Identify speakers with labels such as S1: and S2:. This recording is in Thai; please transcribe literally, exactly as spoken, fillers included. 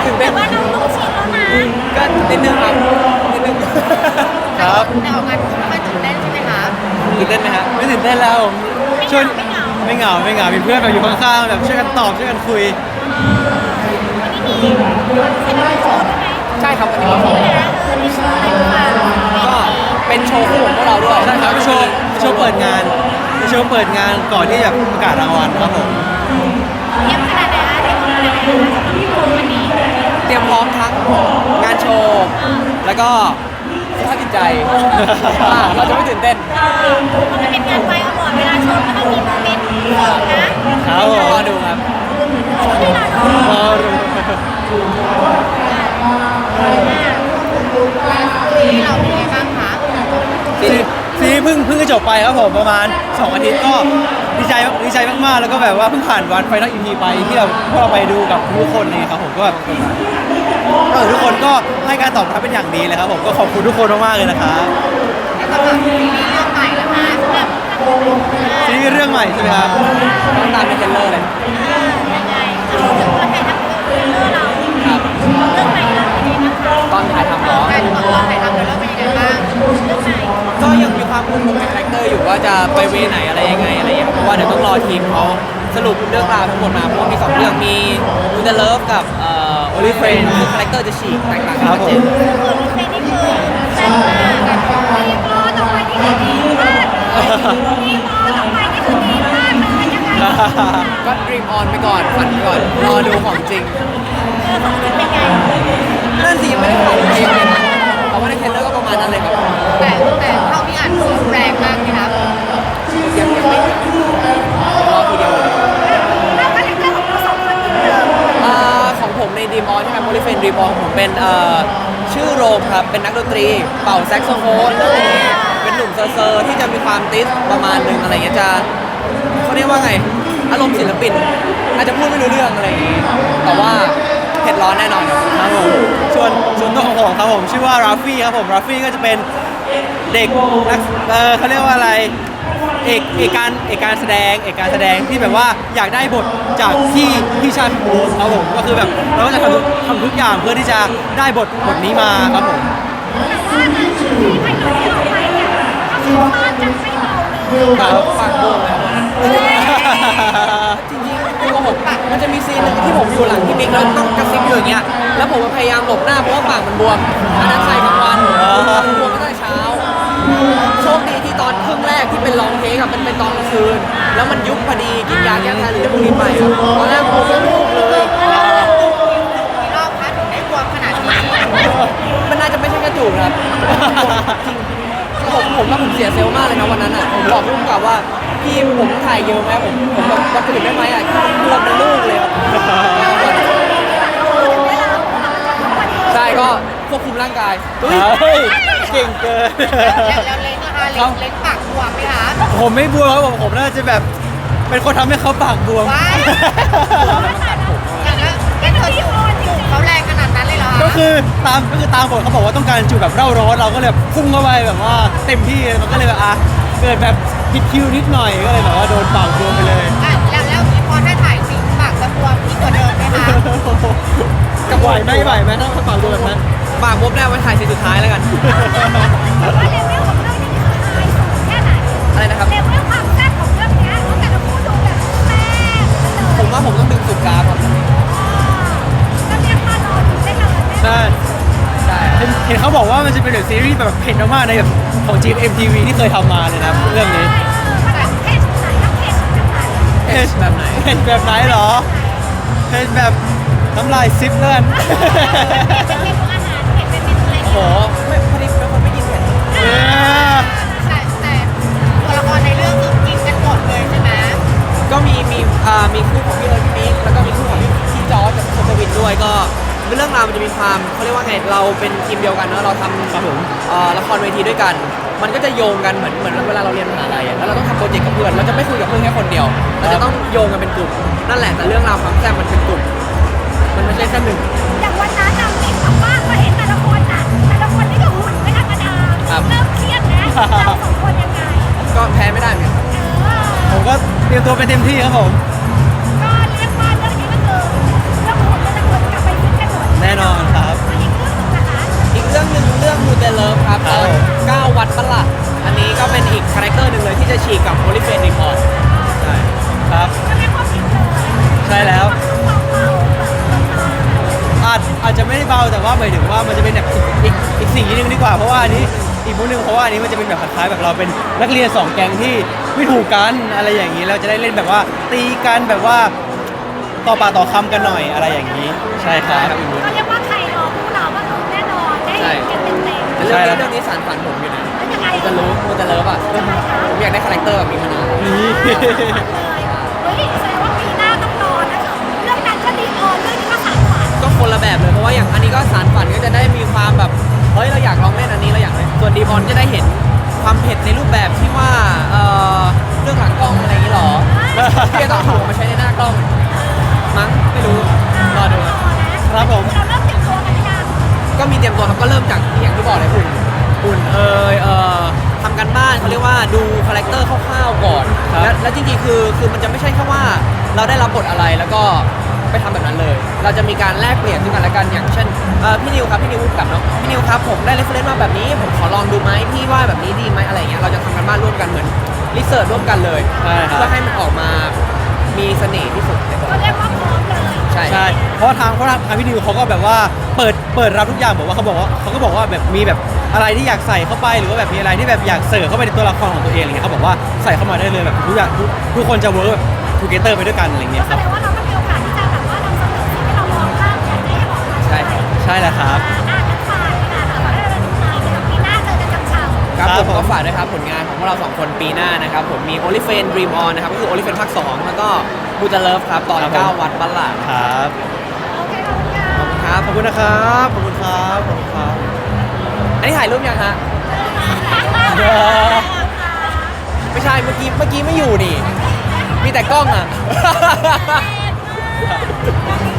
S1: ตื่นเต้นว่าเราต้องชิมแล้วนะก็นิดนึงครับนิดนึง
S2: ครับ
S1: แต่ออกงานไม่ค่อยตื่นเต้นใช่ไหมคะ
S2: ตื่นเต้นไหมฮะไม่ตื่นเต้นแล้วผมช่วยไม่เหงาไม่เหงามีเพื่อนแบบอยู่ข้างๆแบบช่วยกันตอบช่วยกันคุย
S1: ใช่ครับวันนี้เราก็เป็นโชว์คู่ของพวกเราด้วย
S2: ใช่ครับโชว์โชว์เปิดงานโชว์เปิดงานก่อนที่จะประกาศรางวัลครับผม
S1: เตรียมขนาดไหนเตรียมพร้อมทั้งงานโชว์แล้วก็สภาพจิตใจเราจะไม่ตื่นเต้นมันเป็นงานไฟอวอร์ดเวลาโชว์ก็ต้องมีโมเมนต์นะครับรอดูครับ
S2: รอดู
S1: ที่เราเป็นไงบ้างคะ
S2: ซีเพิ่งเพิ่งจะจบไปครับผมประมาณสองอาทิตย์ก็ดีใจดีใจมากๆแล้วก็แบบว่าเพิ่งผ่านวันไฟนอลอีพีไปที่เราพวกเราไปดูกับทุกคนนี่ครับผมก็แบบเออทุกคนก็ให้การตอบรับเป็นอย่างดีเลยครับผมก็ขอบคุณทุกคนมากๆเลยนะครับ
S1: แล้วก็ซีรีส์เรื่องใหม่นะคะ
S2: ซีรีส์เรื่องใหม่ใช่ไหมครับ
S1: ต้องตามในเทรลเลอร์เลยยังไงเราถึงตัวแทนทั้งเทรลเลอร์เราครับเรื่องใหม่เราเป็นยังไงบ้างตอนถ่ายทำเนาะตอนถ่ายทำเทรลเลอร์เป็นยังไงบ้างเรื่องใหม่ก็ยังมีความงงในคาแรคเตอร์อยู่ว่าจะไปเวไหนอะไรยังไงอะไรอย่างเงี้ยเพราะว่าเดี๋ยวต้องรอทีมเขาสรุปเรื่องราวทั้งหมดมาเพราะว่ามีสองเรื่องมีดูเดอะเลิฟกับเอ่อโอลิเฟรนคือคาแรคเตอร์จะฉีกแตกต่างกันชัดเจนโอลิเฟรนนี่คือแซ่บมากดีมอต่อไปนี่คือดีมากดีมอต่อไปนี่คือดีมากเลยยังไงก็ดรีมออนไปก่อนฝันไปก่อนรอดูของจริงเออของจริงเป็นไงนั่นสิไม่ได้ถ่ายเองเลยนะแต่ว่าในเทรลเลอร์ก็ประมาณนั้นเลยครับแต่แต่เท่าที่อ่านคือแรงมากนะครับยังยังไม่รอทีเดียวแล้วคาแรคเตอร์ของเราสองคนเป็นอ่าของผมในดีมออนใช่ไหมโมลิเฟนดีมออนผมเป็นเอ่อชื่อโรมครับเป็นนักดนตรีเป่าแซกโซโฟนอะไรเงี้ยเป็นหนุ่มเซอร์ที่จะมีความติสประมาณนึงอะไรเงี้ยจะเขาเรียกว่าไงอารมณ์ศิลปินอาจจะพูดไม่รู้เรื่องอะไรอย่างงี้แต่ว่าเผ็ดร้อนแน่นอนครับ
S2: ผมส่วนส่วนตัวของผมครับผมชื่อว่าราฟี่ครับผมราฟี่ก็จะเป็นเด็กนักเออเขาเรียกว่าอะไรเอกเอกการเอกการแสดงเอกการแสดงที่แบบว่าอยากได้บทจากที่พี่ชายผมครับผมก็คือแบบเราก็จะทำทุกทำทุกอย่างเพื่อที่จะได้บทบทนี้มาครับผม
S1: ครับปากโป่งเลยจริงๆตัวผมมันจะมีซีนหนึ่งที่ผมอยู่หลังพี่บิ๊กแล้วต้องกระซิบอยู่อย่างเงี้ยแล้วผมพยายามหลบหน้าเพราะว่าปากมันบวมอันนั้นใส่กลางวันมันบวมตั้งแต่เช้าโชคดีที่ตอนครึ่งแรกที่เป็นลองเทคกับมันเป็นตอนกลางคืนแล้วมันยุบพอดีกินยาแก้แพ้หรือพวกนี้ไปตอนแรกผมไม่รู้เลยรอบพัดถึงได้บวมขนาดนี้มันน่าจะไม่ใช่กระจูกครับจริงผมผมว่าผมเสียเซลล์มากเลยนะวันนั้นอ่ะผมบอกพุ่งกับว่าพี่ผมถ่ายเยอะไหมผมผมแบบจะตื่นได้ไหมอ่ะบวมเป็นลูกเลยใช่ก็ควบคุมร่างกาย
S2: เฮ้ยเก่งเกิน
S1: แล้วเล้งนะคะเล้งเล้งปากบวมไหมคะ
S2: ผมไม่บวมครับผมผมน่าจะแบบเป็นคนทำให้เขาปากบวม
S1: อย่างนั้นก็เธอที่จูบเขาแรงขนาดนั้นเลยเหรอ
S2: ก็คือตามก็คือตามบทเขาบอกว่าต้องการจูบแบบเร่าร้อนเราก็เลยพุ่งเข้าไปแบบว่าเต็มที่มันก็เลยแบบอ่ะเกิดแบบผิดคิวนิดหน่อยก็เลยแบบว่าโดนปากบวมไปเลย
S1: อ่ะแล้วแล้วพอถ้าถ่ายจริงปากจะบวมยิ่งกว่าเดิมไหมคะ
S2: จะไหวไหมไหวไหมถ้าปากบวมแบบนั้น
S1: ปากบวมได้ไว้ถ่ายซีนสุดท้ายแล้วกันว่าเลเวลของเรื่องนี้คือไฮสูงแค่ไหนอะไรนะครับเลเวลความแซ่บของเรื่องนี้ตั้งแต่เราพูดดูแบบแซ่บผมว่าผมต้องดึงสุดกราฟครับก็เรียกว่ารอดูได้เลย
S2: ใช่ใช่เห็นเขาบอกว่ามันจะเป็นแบบซีรีส์แบบเผ็ดมากๆในแบบของ จี เอ็ม ที วี ที่เคยทำมาเลยนะเรื่องนี้
S1: เผ็ดแบบไหน
S2: เผ็ดแบบไหนเหรอเผ็ดแบบน้ำลายซิปเลื่อน
S1: โอ้โหไม่พอดีเป็นคนไม่กินเผ็ดแต่แต่ตัวละครในเรื่องคือกินกันหมดเลยใช่ไหมก็มีมีอ่ามีคู่ของพี่เอิร์ธพี่บิ๊กแล้วก็มีคู่ของพี่พี่จอร์จกับคุณกวินด้วยก็เรื่องราวมันจะมีความเขาเรียกว่าไงเราเป็นทีมเดียวกันเนอะเราทำ
S2: ครับผม
S1: ละครเวทีด้วยกันมันก็จะโยงกันเหมือนเหมือนเวลาเราเรียนมหาลัยแล้วเราต้องทำโปรเจกต์กับเพื่อนเราจะไม่คุยกับเพื่อนแค่คนเดียวเราจะต้องโยงกันเป็นกลุ่มนั่นแหละแต่เรื่องราวความแซ่บมันเป็นกลุ่มมันไม่ใช่แค่หนึ่ง
S3: อย่างวันนั้นเราเห็นแบบว่าเราเห็นแต่ละคนอ่ะแต่ละคนนี่ก็หุ่นไม่ธรรมดาเริ่มเครียดแล้วเราสองคนยังไง
S1: ก็แพ้ไม่ได้เหมือนกัน
S2: ผมก็เตรียมตัวเป็นเต็มที่ครับผม
S3: ก็เรียกว่าเรื่องนี้ก็คือเรื่องหุ่นก็จะควรกลับไปฟิตกันหมด
S2: จะไม่ได้เบาแต่ว่าหมายถึงว่ามันจะเป็นแบบอีกอีกสีนึงดีกว่าเพราะว่าอันนี้อีกมุมนึงเพราะว่าอันนี้มันจะเป็นแบบคล้ายๆแบบเราเป็นนักเรียนสองแก๊งที่ไม่ถูกกันอะไรอย่างนี้เราจะได้เล่นแบบว่าตีกันแบบว่าต่อปากต่อคำกันหน่อยอะไรอย่างนี้ใช่ครับอีกมุม
S3: ก็เรียกว่าใครรอพวกเราก็คือแน่นอนได้เห็นกันเต็มๆ
S1: แต่เรื่องนี้เรื่องนี้สารฝันผมอยู่นะ
S3: แล้วยังไง
S1: จะรู้มูจะเลิฟอ่ะผมอยากได้คาแรคเตอร์แบบนี้มานาน
S2: นี่
S3: เฮ้ยแสดงว่าปีหน้าต้องรอนะคะเรื่องนั้นก็ดีออนเรื่องนี้ก็สานฝัน
S1: ก็คนละแบบเลยเพราะว่าอย่างอันนี้ก็สารฝันก็จะได้มีความแบบเฮ้ยเราอยากลองเล่นอันนี้เราอยากเล่นส่วนดีมอนจะได้เห็นความเผ็ดในรูปแบบที่ว่าเอ่อเรื่องหลังกล้องอะไรอย่างนี้หรอที่จะต้องถูกมาใช้ในหน้ากล้องมั้งไม่รู้รอดู
S2: ครับผม
S3: เราเริ่มเตรียมตัวกันหรือยัง
S1: ก็มีเตรียมตัวครับก็เริ่มจากที่อย่างที่บอกเลยหุ่นหุ่นเอยเอ่อทำกันบ้านเขาเรียกว่าดูคาแรคเตอร์คร่าวๆก่อน
S2: ครับ
S1: และและจริงๆคือคือมันจะไม่ใช่แค่ว่าเราได้รับบทอะไรแล้วก็ไปทำแบบนั้นเลย เราจะมีการแลกเปลี่ยนซึ่งกันและกันอย่างเช่นเอ่อพี่นิวครับพี่นิวพูดกับเนาะพี่นิวครับผมได้เรฟเฟรนซ์มาแบบนี้ผมขอลองดูไหมพี่ว่าแบบนี้ดีไหมอะไรอย่างเงี้ยเราจะทำกันบ้านร่วมกันเหมือนรีเสิร์ชร่วมกันเลย
S2: ใช่ครับ
S1: เพื่อให้มันออกมามีเสน่ห์ที่สุดในตัว
S3: ก็เรียกว่าพร้อมเลย
S1: ใช่
S2: ใช่เพราะว่าทางเพราะทางทางพี่ดิวเขาก็แบบว่าเปิดเปิดรับทุกอย่างบอกว่าเขาบอกว่าเขาก็บอกว่าแบบมีแบบอะไรที่อยากใส่เข้าไปหรือว่าแบบมีอะไรที่แบบอยากเสริมเข้าไปในตัวละครของตัวเองอะไรเงี้ยเขาบอกว่าใส่เข้ามาได้เลยแบบทุกอย่างทุกทุกคนจะเวิร์กแบบทูเกเตอร์ไปด้วยกันอะไรเงี้ย
S3: แส
S2: ครับ
S3: ดงว่าเราก็มีโอกาสที่จะแบบว่านำเสนอสิ่งที่เรามองข้ามอยากจะให้ออกมา
S1: ใช่ครับ
S2: ใช่แล้วครับ
S3: อ่าอ่านกันไปค่ะแต่ว่าเราดูตามเดี๋ยวปีหน้าเจอกันจังเช้า
S1: ครับ
S2: ครับ
S1: ผม
S2: ผม
S1: ก็ฝากด้วยครับผลงานของพวกเราสองคนปีหน้านะครับผมมี Only Fan Dream On นะครับก็คือ Only Fan ภาคสองแล้วก็ Who to Love ครับตอน
S2: ครับผม
S1: เก้าวันบัลลาด
S2: ครับ
S3: โอเคขอบคุณค่ะ
S1: ครับ
S2: ขอบคุณนะครับขอบคุณครับขอบคุณครับ
S1: อันนี้ถ่ายรูปยังฮะ ไม่ใช่เมื่อกี้เมื่อกี้ไม่อยู่นี่ มีแต่กล้องอ่ะ
S3: โอเค